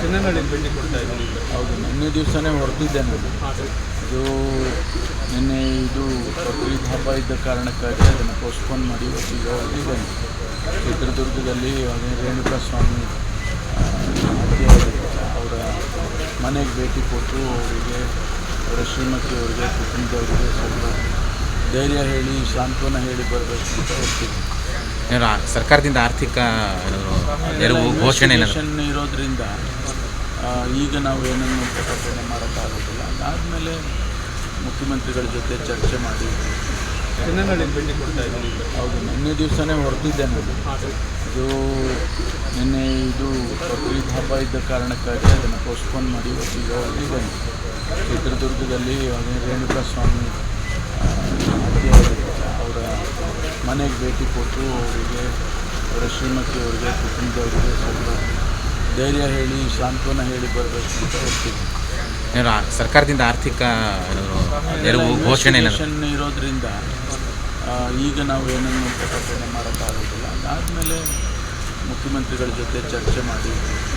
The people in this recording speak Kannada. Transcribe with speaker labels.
Speaker 1: ಚಿನ್ನನಹಳ್ಳಿ ಭೇಟಿ ಕೊಡ್ತಾ ಇದ್ದೀನಿ.
Speaker 2: ಹೌದು, ನಿನ್ನೆ ದಿವಸನೇ ಹೊರಟಿದ್ದೆ ನಾನು. ಇದು ನಿನ್ನೆ ಇದು ಬಕ್ರೀದ್ ಹಬ್ಬ ಇದ್ದ ಕಾರಣಕ್ಕಾಗಿ ಅದನ್ನು ಪೋಸ್ಟ್ಪೋನ್ ಮಾಡಿ ಇವತ್ತಿಗೆ ಹೋಗಿದ್ದೇನೆ. ಚಿತ್ರದುರ್ಗದಲ್ಲಿ ರೇಣುಕಾ ಸ್ವಾಮಿ ಅವರ ಮನೆಗೆ ಭೇಟಿ ಕೊಟ್ಟು ಅವರಿಗೆ, ಅವರ ಶ್ರೀಮತಿಯವರಿಗೆ, ಕುಟುಂಬದವರಿಗೆ ಸ್ವಲ್ಪ ಧೈರ್ಯ ಹೇಳಿ, ಸಾಂತ್ವನ ಹೇಳಿ ಬರಬೇಕು ಅಂತ ಹೋಗ್ತೀವಿ.
Speaker 3: ಸರ್ಕಾರದಿಂದ ಆರ್ಥಿಕ ನೆರವು ಘೋಷಣೆ
Speaker 2: ಇರೋದ್ರಿಂದ ಈಗ ನಾವು ಏನನ್ನು ಪ್ರಕಟಣೆ ಮಾಡೋಕ್ಕಾಗೋದಿಲ್ಲ. ಅದಾದಮೇಲೆ ಮುಖ್ಯಮಂತ್ರಿಗಳ ಜೊತೆ ಚರ್ಚೆ ಮಾಡಿ
Speaker 1: ಚಿನ್ನನಹಳ್ಳಿ ಭೇಟಿ ಕೊಡ್ತಾ ಇದ್ದೀನಿ.
Speaker 2: ಹೌದು, ನಿನ್ನೆ ದಿವಸನೇ ಹೊರಟಿದ್ದೆ ನಾನು. ಇದು ನಿನ್ನೆ ಇದು ಬಕ್ರೀದ್ ಹಬ್ಬ ಇದ್ದ ಕಾರಣಕ್ಕಾಗಿ ಅದನ್ನು ಪೋಸ್ಟ್ಪೋನ್ ಮಾಡಿ ಇವತ್ತಿಗೆ ಹೋಗಿದ್ದೇನೆ. ಚಿತ್ರದುರ್ಗದಲ್ಲಿ ರೇಣುಕಾ ಸ್ವಾಮಿ ಅವರ ಮನೆಗೆ ಭೇಟಿ ಕೊಟ್ಟು ಅವರಿಗೆ, ಅವರ ಶ್ರೀಮತಿಯವರಿಗೆ, ಕುಟುಂಬದವರಿಗೆ ಸ್ವಲ್ಪ ಧೈರ್ಯ ಹೇಳಿ, ಸಾಂತ್ವನ ಹೇಳಿ ಬರಬೇಕು ಅಂತ ಹೋಗ್ತೀವಿ.
Speaker 3: ಸರ್ಕಾರದಿಂದ ಆರ್ಥಿಕ ನೆರವು ಘೋಷಣೆ
Speaker 2: ಇರೋದ್ರಿಂದ ಈಗ ನಾವು ಏನನ್ನು ಪ್ರಕಟಣೆ ಮಾಡೋಕ್ಕಾಗೋದಿಲ್ಲ. ಅದಾದಮೇಲೆ ಮುಖ್ಯಮಂತ್ರಿಗಳ ಜೊತೆ ಚರ್ಚೆ ಮಾಡಿ